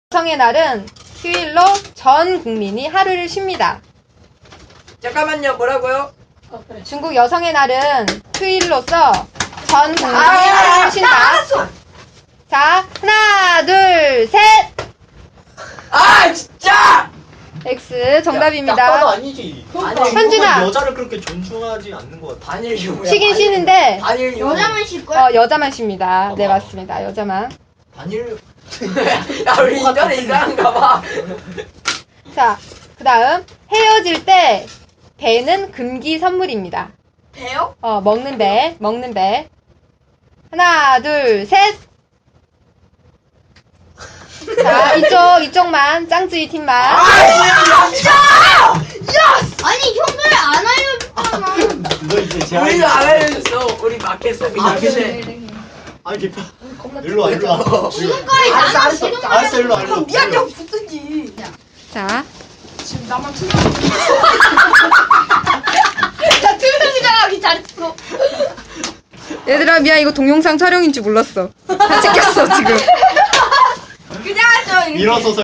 여성의 날은 휴일로 전 국민이 하루를 쉬입니다. 잠깐만요, 뭐라고요? 중국 여성의 날은 휴일로서 전 국민이 하루를 쉰다. 자, 하나, 둘, 셋! 아, 진짜! X 정답입니다. 약간 아니지. 아니, 현준아. 여자를 그렇게 존중하지 않는 것 같아. 단일 유무야. 쉬긴 쉬는데 단일 유무. 여자만 쉴 거야? 여자만 쉽니다. 네, 맞습니다. 여자만. 단일. 야, 우리 인간에 이상한가 봐. 자, 그 다음 헤어질 때 배는 금기 선물입니다. 배요? 먹는 배, 먹는 배. 하나, 둘, 셋! 자, 이쪽만, 짱쯔이 팀만. 아니 형들 안 알려줬잖아. 너 이제 제 우리도 안 알려줬어. 우리 맞겠어. 그냥. 근데 아니 개파. 일로 와, 일로 와. 지금까지 나랑 지금 알았어, 일로 와, 일로 와. 미안, 형 붙든지. 자, 지금 나만 나 투명이장하기 잘했어. 얘들아, 미안, 이거 동영상 촬영인 줄 몰랐어. 다 찍혔어, 지금. 그냥 하죠. 일어서서